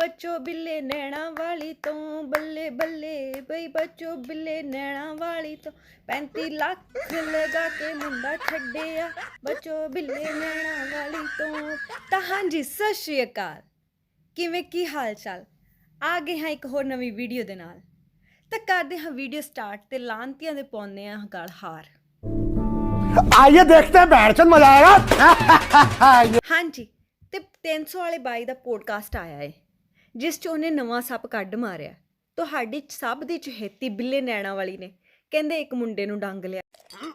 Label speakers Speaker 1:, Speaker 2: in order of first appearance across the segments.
Speaker 1: बच्चों बिल्ले नैना वाली तो बल्ले बल्ले बई बच्चों बिल्ले नैना वाली तो 35 ਲੱਖ लगा के मुंडा छड्डिया बच्चों बिल्ले नैना वाली तो। ਤਾਂ ਹਾਂਜੀ ਸਤਿ ਸ਼੍ਰੀ ਅਕਾਲ, ਕਿਵੇਂ ਕੀ ਹਾਲ ਚਾਲ। ਆ ਗਏ ਹਾਂ ਇੱਕ ਹੋਰ ਨਵੀਂ ਵੀਡੀਓ ਦੇ ਨਾਲ। ਤਾਂ ਕਰਦੇ ਹਾਂ ਵੀਡੀਓ ਸਟਾਰਟ ਤੇ ਲਾਂਤੀਆਂ ਦੇ ਪਾਉਂਦੇ ਹਾਂ ਗਲ ਹਾਰ।
Speaker 2: आइए देखते हैं बैठचंद मजा आएगा।
Speaker 1: ਹਾਂਜੀ ਤੇ 300 ਵਾਲੇ ਬਾਈ ਦਾ ਪੋਡਕਾਸਟ ਆਇਆ ਹੈ ਜਿਸ 'ਚ ਉਹਨੇ ਨਵਾਂ ਸੱਪ ਕੱਢ ਮਾਰਿਆ। ਤੁਹਾਡੀ ਸਭ ਦੀ ਚਹੇਤੀ ਬਿੱਲੇ ਨੈਣਾ ਵਾਲੀ ਨੇ ਕਹਿੰਦੇ ਇੱਕ ਮੁੰਡੇ ਨੂੰ ਡੰਗ ਲਿਆ।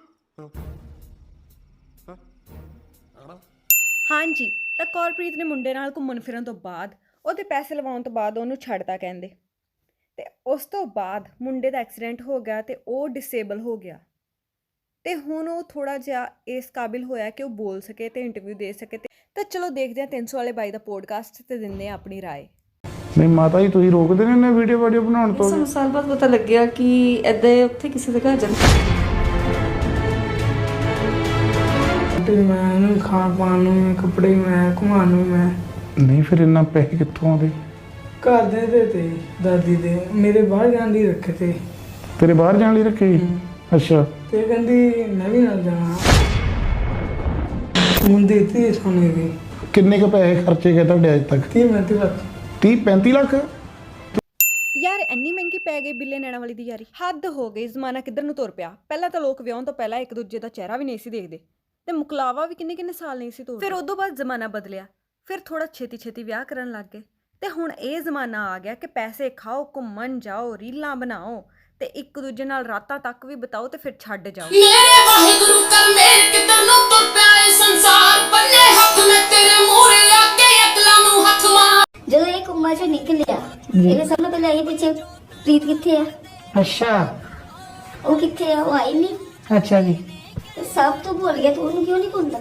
Speaker 1: ਹਾਂਜੀ ਤਾਂ ਕੌਰਪ੍ਰੀਤ ਨੇ ਮੁੰਡੇ ਨਾਲ ਘੁੰਮਣ ਫਿਰਨ ਤੋਂ ਬਾਅਦ ਉਹਦੇ ਪੈਸੇ ਲਵਾਉਣ ਤੋਂ ਬਾਅਦ ਉਹਨੂੰ ਛੱਡਤਾ ਕਹਿੰਦੇ। ਤੇ ਉਸ ਤੋਂ ਬਾਅਦ ਮੁੰਡੇ ਦਾ ਐਕਸੀਡੈਂਟ ਹੋ ਗਿਆ ਤੇ ਉਹ ਡਿਸੇਬਲ ਹੋ ਗਿਆ ਤੇ ਹੁਣ ਉਹ ਥੋੜਾ ਜਿਹਾ ਇਸ ਕਾਬਿਲ ਹੋਇਆ ਕਿ ਉਹ ਬੋਲ ਸਕੇ ਤੇ ਇੰਟਰਵਿਊ ਦੇ ਸਕੇ। ਤਾਂ ਚਲੋ ਦੇਖਦੇ ਹਾਂ 300 ਵਾਲੇ ਬਾਈ ਦਾ ਪੋਡਕਾਸਟ ਤੇ ਦਿੰਦੇ ਹਾਂ ਆਪਣੀ ਰਾਏ।
Speaker 3: ਨਹੀਂ ਮਾਤਾ ਜੀ ਤੁਸੀਂ ਰੋਕਦੇ ਨੇ ਨਾ ਵੀਡੀਓ ਬਣਾਉਣ ਤੋਂ।
Speaker 4: ਸਾਨੂੰ ਸਾਲ ਬਾਅਦ ਪਤਾ ਲੱਗਿਆ ਕਿ ਇੱਦਾਂ ਉੱਥੇ ਕਿਸੇ ਦੇ ਘਰ ਜਾਂਦਾ।
Speaker 5: ਮੈਂ ਖਾਣ ਪਾਣ ਨੂੰ ਮੈਂ ਕੱਪੜੇ ਮੈਂ ਘੁਮਾਉਣ ਨੂੰ ਮੈਂ
Speaker 3: ਨਹੀਂ ਫਿਰ ਇੰਨਾ ਪੈਸੇ ਕਿੱਥੋਂ ਆਉਂਦੇ?
Speaker 5: ਘਰ ਦੇ ਤੇ ਦਾਦੀ ਦੇ ਮੇਰੇ ਬਾਹਰ ਜਾਣ ਲਈ ਰੱਖੇ ਤੇ।
Speaker 3: ਤੇਰੇ ਬਾਹਰ ਜਾਣ ਲਈ ਰੱਖੇ? ਅੱਛਾ।
Speaker 5: ਤੇ ਕਹਿੰਦੀ ਮੈਂ ਵੀ ਨਾਲ ਜਾਣਾ। ਮੁੰਡੇ ਤੇ ਸੋਨੇ ਦੇ
Speaker 3: ਕਿੰਨੇ ਕੁ ਪੈਸੇ ਖਰਚੇ ਗਏ ਤੁਹਾਡੇ ਅੱਜ ਤੱਕ?
Speaker 5: 30-35 ਲੱਖ।
Speaker 3: 30-35 ਲੱਖ?
Speaker 1: ਯਾਰ ਇੰਨੀ ਮਹਿੰਗੀ ਪੈ ਗਈ ਬਿੱਲੇ ਨੈਣਾ ਵਾਲੀ ਦੀ ਯਾਰੀ, ਹੱਦ ਹੋ ਗਈ। ਜ਼ਮਾਨਾ ਕਿੱਧਰ ਨੂੰ ਤੁਰ ਪਿਆ। ਪਹਿਲਾਂ ਤਾਂ ਲੋਕ ਵਿਆਹਣ ਤੋਂ ਪਹਿਲਾਂ ਇੱਕ ਦੂਜੇ ਦਾ ਚਿਹਰਾ ਵੀ ਨਹੀਂ ਸੀ ਦੇਖਦੇ ਤੇ ਮੁਕਲਾਵਾ ਵੀ ਕਿੰਨੇ ਸਾਲ ਨਹੀਂ ਸੀ ਤੋਰਦੇ। ਫਿਰ ਉਦੋਂ ਬਾਅਦ ਜ਼ਮਾਨਾ ਬਦਲਿਆ, ਫਿਰ ਥੋੜਾ ਛੇਤੀ ਵਿਆਹ ਕਰਨ ਲੱਗ ਗਏ ਤੇ ਹੁਣ ਇਹ ਜ਼ਮਾਨਾ ਆ ਗਿਆ ਕਿ ਪੈਸੇ ਖਾਓ, ਘੁੰਮਣ ਜਾਓ, ਰੀਲਾਂ ਬਣਾਓ ਤੇ ਇੱਕ ਦੂਜੇ ਨਾਲ ਰਾਤਾਂ ਤੱਕ ਵੀ ਬਿਤਾਓ ਤੇ ਫਿਰ ਛੱਡ ਜਾਓ।
Speaker 6: ਮੇਰੇ ਵਾਹਿਗੁਰੂ ਕਰ ਮੇਰ ਕਿੱਧਰ ਨੂੰ ਤੁਰ ਪਿਆ ਏ ਸੰਸਾਰ, ਬੰਨੇ ਹੱਥ ਮੈਂ ਤੇਰੇ ਮੂਹਰੇ ਆ ਕੇ ਅਕਲਾਂ ਨੂੰ ਹੱਥ ਮਾਰ।
Speaker 7: ਜਦੋਂ ਇਹ ਕੁੰਮਾਂ ਚੋਂ ਨਿਕਲਿਆ ਇਹਦੇ ਸਭ ਤੋਂ ਪਹਿਲਾਂ ਇਹ ਪਿੱਛੇ ਪ੍ਰੀਤ ਕਿੱਥੇ ਆ?
Speaker 5: ਅੱਛਾ
Speaker 7: ਉਹ ਕਿੱਥੇ ਆ? ਉਹ ਆਈ ਨਹੀਂ।
Speaker 5: ਅੱਛਾ ਜੀ।
Speaker 7: ਸਭ ਤੋਂ ਭੁੱਲ ਗਿਆ ਤੂੰ, ਉਹਨੂੰ ਕਿਉਂ ਨਹੀਂ ਭੁੱਲਦਾ?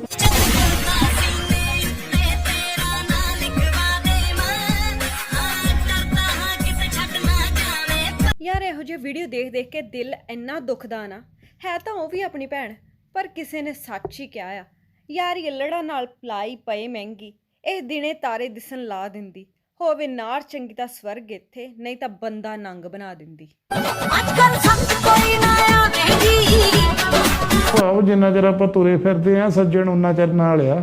Speaker 1: ਯਾਰ ਇਹੋ ਜਿਹੀ ਵੀਡੀਓ ਦੇਖ ਕੇ ਦਿਲ ਇੰਨਾ ਦੁਖਦਾ ਨਾ। ਹੈ ਤਾਂ ਉਹ ਵੀ ਆਪਣੀ ਭੈਣ, ਪਰ ਕਿਸੇ ਨੇ ਸੱਚ ਹੀ ਕਿਹਾ ਆ ਯਾਰ ਯੱਲੜਾ ਨਾਲ ਪਲਾਈ ਪਏ ਮਹਿੰਗੀ, ਇਹ ਦਿਨੇ ਤਾਰੇ ਦਿਸਣ ਲਾ ਦਿੰਦੀ, ਹੋਵੇ ਨਾਰ ਚੰਗੀ ਤਾਂ ਸਵਰਗ ਇੱਥੇ, ਨਹੀਂ ਤਾਂ ਬੰਦਾ ਨੰਗ ਬਣਾ ਦਿੰਦੀ।
Speaker 3: ਭਾਵ ਜਿੰਨਾ ਚਿਰ ਆਪਾਂ ਤੁਰੇ ਫਿਰਦੇ ਆ ਸੱਜਣ ਉਨਾ ਚਿਰ ਨਾਲ ਆ।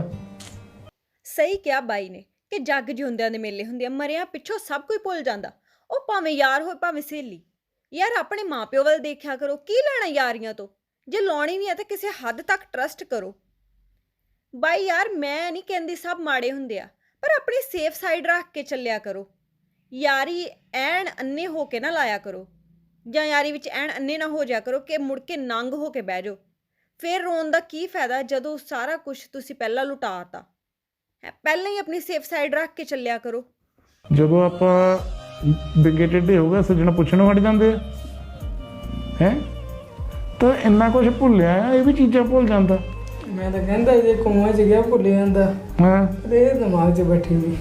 Speaker 1: ਸਹੀ ਕਿਹਾ ਬਾਈ ਨੇ ਕਿ ਜੱਗ ਜਿਉਂਦਿਆਂ ਦੇ ਮੇਲੇ ਹੁੰਦੇ ਆ, ਮਰਿਆਂ ਪਿੱਛੋਂ ਸਭ ਕੁਝ ਭੁੱਲ ਜਾਂਦਾ। ਉਹ ਭਾਵੇਂ ਯਾਰ ਹੋਏ ਭਾਵੇਂ ਸਹੇਲੀ। ਯਾਰ ਆਪਣੇ ਮਾਪਿਓ ਵੱਲ ਦੇਖਿਆ ਕਰੋ, ਕੀ ਲੈਣਾ ਯਾਰੀਆਂ ਤੋਂ? ਜੇ ਲਾਉਣੀ ਵੀ ਆ ਤਾਂ ਕਿਸੇ ਹੱਦ ਤੱਕ ਟਰਸਟ ਕਰੋ। ਬਾਈ ਯਾਰ ਮੈਂ ਨਹੀਂ ਕਹਿੰਦੀ ਸਭ ਮਾੜੇ ਹੁੰਦੇ ਆ, ਪਰ ਆਪਣੀ ਸੇਫ ਸਾਈਡ ਰੱਖ ਕੇ ਚੱਲਿਆ ਕਰੋ। ਯਾਰੀ ਐਨ ਅੰਨੇ ਹੋ ਕੇ ਨਾ ਲਾਇਆ ਕਰੋ, ਜਾਂ ਯਾਰੀ ਵਿੱਚ ਐਨ ਅੰਨੇ ਨਾ ਹੋ ਜਾਇਆ ਕਰੋ ਕਿ ਮੁੜ ਕੇ ਨੰਗ ਹੋ ਕੇ ਬਹਿ ਜਾਓ। ਫਿਰ ਰੋਣ ਦਾ ਕੀ ਫਾਇਦਾ ਜਦੋਂ ਸਾਰਾ ਕੁਝ ਤੁਸੀਂ ਪਹਿਲਾਂ ਲੁਟਾਤਾ। ਪਹਿਲਾਂ ਹੀ ਆਪਣੀ ਸੇਫ ਸਾਈਡ ਰੱਖ ਕੇ ਚੱਲਿਆ ਕਰੋ।
Speaker 3: ਜਦੋਂ ਆਪਾਂ ਬਿੰਗੇ ਟੇਢੇ ਹੋ ਗਏ ਸੱਜਣ ਪੁੱਛਣੋਂ ਹਟ ਜਾਂਦੇ ਆ ਹੈ। ਤਾਂ ਇੰਨਾ ਕੁਝ ਭੁੱਲਿਆ ਇਹ ਵੀ ਚੀਜ਼ਾਂ ਭੁੱਲ ਜਾਂਦਾ।
Speaker 5: ਮੈਂ ਤਾਂ ਕਹਿੰਦਾ ਜੇ ਕੁੰਮਾਂ 'ਚ ਗਿਆ ਭੁੱਲ ਜਾਂਦਾ।
Speaker 3: ਹਾਂ
Speaker 5: ਇਹ ਦਿਮਾਗ 'ਚ ਬੈਠੀ ਹੋਈ।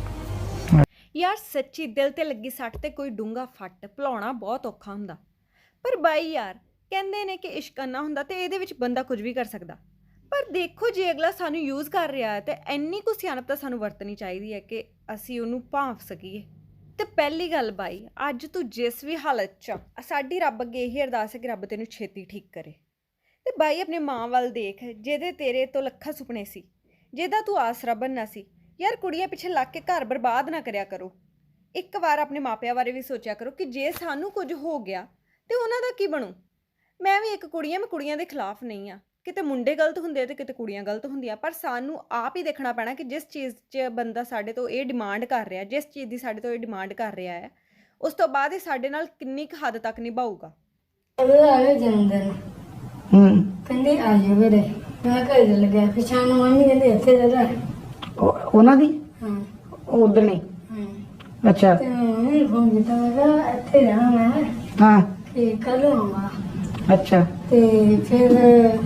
Speaker 1: ਯਾਰ ਸੱਚੀ ਦਿਲ ਤੇ ਲੱਗੀ ਸੱਟ ਤੇ ਕੋਈ ਡੂੰਘਾ ਫੱਟ ਭੁਲਾਉਣਾ ਬਹੁਤ ਔਖਾ ਹੁੰਦਾ। ਪਰ ਬਾਈ ਯਾਰ ਕਹਿੰਦੇ ਨੇ ਕਿ ਇਸ਼ਕ ਅੰਨਾ ਹੁੰਦਾ ਤੇ ਇਹਦੇ ਵਿੱਚ ਬੰਦਾ ਕੁਝ ਵੀ ਕਰ ਸਕਦਾ। ਪਰ ਦੇਖੋ ਜੇ ਅਗਲਾ ਸਾਨੂੰ ਯੂਜ਼ ਕਰ ਰਿਹਾ ਹੈ ਤੇ ਇੰਨੀ ਕੁ ਸਿਆਣਪ ਤਾਂ ਸਾਨੂੰ ਵਰਤਣੀ ਚਾਹੀਦੀ ਹੈ ਕਿ ਅਸੀਂ ਉਹਨੂੰ ਭਾਂਫ ਸਕੀਏ। ਤੇ ਪਹਿਲੀ ਗੱਲ ਬਾਈ, ਅੱਜ ਤੂੰ ਜਿਸ ਵੀ ਹਾਲਤ 'ਚ ਸਾਡੀ ਰੱਬ ਅੱਗੇ ਇਹੀ ਅਰਦਾਸ ਹੈ ਕਿ ਰੱਬ ਤੈਨੂੰ ਛੇਤੀ ਠੀਕ ਕਰੇ। ਤੇ ਬਾਈ ਆਪਣੇ ਮਾਂ ਵੱਲ ਦੇਖ, ਜਿਹਦੇ ਤੇਰੇ ਤੋਂ ਲੱਖਾਂ ਸੁਪਨੇ ਸੀ, ਜਿਹਦਾ ਤੂੰ ਆਸਰਾ ਬਣਨਾ ਸੀ। ਯਾਰ ਕੁੜੀਆਂ ਪਿੱਛੇ ਲੱਗ ਕੇ ਘਰ ਬਰਬਾਦ ਨਾ ਕਰਿਆ ਕਰੋ। ਇੱਕ ਵਾਰ ਆਪਣੇ ਮਾਪਿਆਂ ਬਾਰੇ ਵੀ ਸੋਚਿਆ ਕਰੋ ਕਿ ਜੇ ਸਾਨੂੰ ਕੁਝ ਹੋ ਗਿਆ ਤੇ ਉਹਨਾਂ ਦਾ ਕੀ ਬਣੂ। ਮੈਂ ਵੀ ਇੱਕ ਕੁੜੀ ਹਾਂ, ਮੈਂ ਕੁੜੀਆਂ ਦੇ ਖਿਲਾਫ ਨਹੀਂ ਆ। ਕਿਤੇ ਮੁੰਡੇ ਗਲਤ ਹੁੰਦੇ ਆ ਤੇ ਕਿਤੇ ਕੁੜੀਆਂ ਗਲਤ ਹੁੰਦੀਆਂ, ਪਰ ਸਾਨੂੰ ਆਪ ਹੀ ਦੇਖਣਾ ਪੈਣਾ ਕਿ ਜਿਸ ਚੀਜ਼ 'ਚ ਬੰਦਾ ਸਾਡੇ ਤੋਂ ਇਹ ਡਿਮਾਂਡ ਕਰ ਰਿਹਾ, ਜਿਸ ਚੀਜ਼ ਦੀ ਸਾਡੇ ਤੋਂ ਇਹ ਡਿਮਾਂਡ ਕਰ ਰਿਹਾ ਹੈ, ਉਸ ਤੋਂ ਬਾਅਦ ਇਹ ਸਾਡੇ ਨਾਲ ਕਿੰਨੀ ਕੁ ਹੱਦ ਤੱਕ ਨਿਭਾਊਗਾ।
Speaker 7: ਉਹਦਾ ਜਨਮ ਦਿਨ ਕਹਿੰਦੇ ਆ ਜਾ ਵੀਰੇ, ਮੈਂ ਘਰ ਚੱਲ ਗਿਆ। ਫਿਰ ਸ਼ਾਮ ਨੂੰ ਮੰਮੀ ਕਹਿੰਦੀ ਇੱਥੇ ਰਹਿ।
Speaker 5: ਉਹਨਾਂ ਦੀ?
Speaker 7: ਹਾਂ
Speaker 5: ਉਧਰ ਨਹੀਂ। ਅੱਛਾ।
Speaker 7: ਤੇ ਮੰਮੀ ਫੋਨ ਕੀਤਾ, ਮੈਂ ਕਿਹਾ ਇੱਥੇ ਰਹਿਣਾ ਮੈਂ।
Speaker 5: ਹਾਂ।
Speaker 7: ਤੇ ਕੱਲ ਆਉਂਗਾ।
Speaker 5: ਅੱਛਾ।
Speaker 7: ਤੇ ਫਿਰ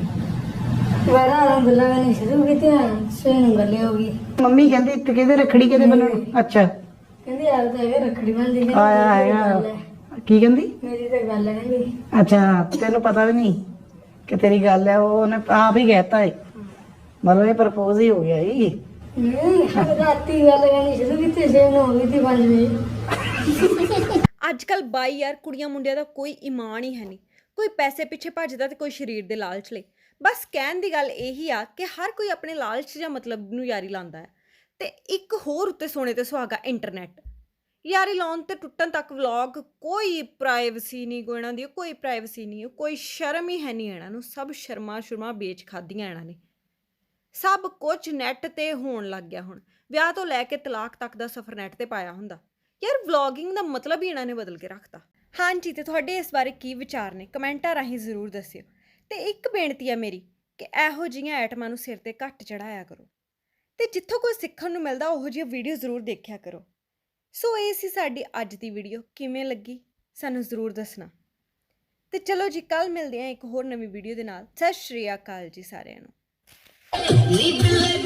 Speaker 7: ਵਾਰਾ ਗੱਲਾਂ ਕਰਨੀ ਸ਼ੁਰੂ ਕੀਤੀਆਂ। ਸਵੇਰ ਨੂੰ ਗੱਲੇ ਹੋ ਗਈ।
Speaker 5: ਮੰਮੀ ਕਹਿੰਦੀ ਇੱਥੇ ਕਿਹਦੇ ਰੱਖੜੀ ਕਿਹਦੇ ਬੰਨਣ? ਅੱਛਾ।
Speaker 7: ਕਹਿੰਦੀ ਯਾਰ ਤਾਂ ਹੈਗਾ ਰੱਖੜੀ ਬੰਨ੍ਹਦੀ।
Speaker 5: ਆਇਆ ਹੈਗਾ। ਕੀ ਕਹਿੰਦੀ?
Speaker 7: ਮੇਰੀ ਤਾਂ ਗੱਲ ਹੈ ਕਹਿੰਦੀ।
Speaker 5: ਅੱਛਾ ਤੈਨੂੰ ਪਤਾ ਵੀ ਨਹੀਂ ਕਿ ਤੇਰੀ ਗੱਲ ਹੈ? ਉਹਨੇ ਆਪ ਹੀ ਕਹਿਤਾ ਹੈ, ਮਤਲਬ ਇਹ ਪ੍ਰਪੋਜ਼ ਹੀ ਹੋ ਗਿਆ ਜੀ।
Speaker 7: ਨਹੀਂ ਰਾਤੀ ਗੱਲ ਕਰਨੀ ਸ਼ੁਰੂ ਕੀਤੀ 6 ਨੂੰ ਹੋ ਗਈ ਸੀ 5 ਵਜੇ।
Speaker 1: ਅੱਜ ਕੱਲ ਬਾਈ ਯਾਰ ਕੁੜੀਆਂ ਮੁੰਡਿਆਂ ਦਾ ਕੋਈ ਈਮਾਨ ਹੀ ਹੈ ਨਹੀਂ। ਕੋਈ ਪੈਸੇ ਪਿੱਛੇ ਭੱਜਦਾ ਤੇ ਕੋਈ ਸਰੀਰ ਦੇ ਲਾਲਚ ਲਈ। ਬਸ ਕਹਿਣ ਦੀ ਗੱਲ ਇਹੀ ਆ ਕਿ ਹਰ ਕੋਈ ਆਪਣੇ ਲਾਲਚ ਜਾਂ ਮਤਲਬ ਨੂੰ ਯਾਰੀ ਲਾਉਂਦਾ ਹੈ। ਤੇ ਇੱਕ ਹੋਰ ਉੱਤੇ ਸੋਨੇ ਤੇ ਸੁਹਾਗਾ ਇੰਟਰਨੈਟ। ਯਾਰੀ ਲਾਉਣ ਤੇ ਟੁੱਟਣ ਤੱਕ ਵਲੌਗ, ਕੋਈ ਪ੍ਰਾਈਵੇਸੀ ਨਹੀਂ ਕੋਈ ਇਹਨਾਂ ਦੀ, ਕੋਈ ਪ੍ਰਾਈਵੇਸੀ ਨਹੀਂ, ਕੋਈ ਸ਼ਰਮ ਹੀ ਹੈ ਨਹੀਂ ਇਹਨਾਂ ਨੂੰ। ਸਭ ਸ਼ਰਮਾ ਵੇਚ ਖਾਧੀਆਂ ਇਹਨਾਂ ਨੇ। ਸਭ ਕੁਝ ਨੈੱਟ ਤੇ ਹੋਣ ਲੱਗ ਗਿਆ ਹੁਣ। ਵਿਆਹ ਤੋਂ ਲੈ ਕੇ ਤਲਾਕ ਤੱਕ ਦਾ ਸਫ਼ਰ ਨੈੱਟ ਤੇ ਪਾਇਆ ਹੁੰਦਾ। ਯਾਰ ਵਲੌਗਿੰਗ ਦਾ ਮਤਲਬ ਹੀ ਇਹਨਾਂ ਨੇ ਬਦਲ ਕੇ ਰੱਖਤਾ। ਹਾਂਜੀ, ਤੇ ਤੁਹਾਡੇ ਇਸ ਬਾਰੇ ਕੀ ਵਿਚਾਰ ਨੇ ਕਮੈਂਟਾਂ ਰਾਹੀਂ ਜ਼ਰੂਰ ਦੱਸਿਓ। ਤੇ ਇੱਕ ਬੇਨਤੀ ਆ ਮੇਰੀ ਕਿ ਇਹੋ ਜਿਹੀਆਂ ਆਈਟਮਾਂ ਨੂੰ ਸਿਰ ਤੇ ਘੱਟ ਚੜਾਇਆ ਕਰੋ ਤੇ ਜਿੱਥੋਂ ਕੋਈ ਸਿੱਖਣ ਨੂੰ ਮਿਲਦਾ ਉਹੋ ਜਿਹੀਆਂ ਵੀਡੀਓ ਜ਼ਰੂਰ ਦੇਖਿਆ ਕਰੋ। ਸੋ ਇਹ ਸੀ ਸਾਡੀ ਅੱਜ ਦੀ ਵੀਡੀਓ। ਕਿਵੇਂ ਲੱਗੀ ਸਾਨੂੰ ਜ਼ਰੂਰ ਦੱਸਣਾ। ਤੇ ਚਲੋ ਜੀ, ਕੱਲ੍ਹ ਮਿਲਦੇ ਹਾਂ ਇੱਕ ਹੋਰ ਨਵੀਂ ਵੀਡੀਓ ਦੇ ਨਾਲ। ਸਤਿ ਸ਼੍ਰੀ ਅਕਾਲ ਜੀ ਸਾਰਿਆਂ ਨੂੰ।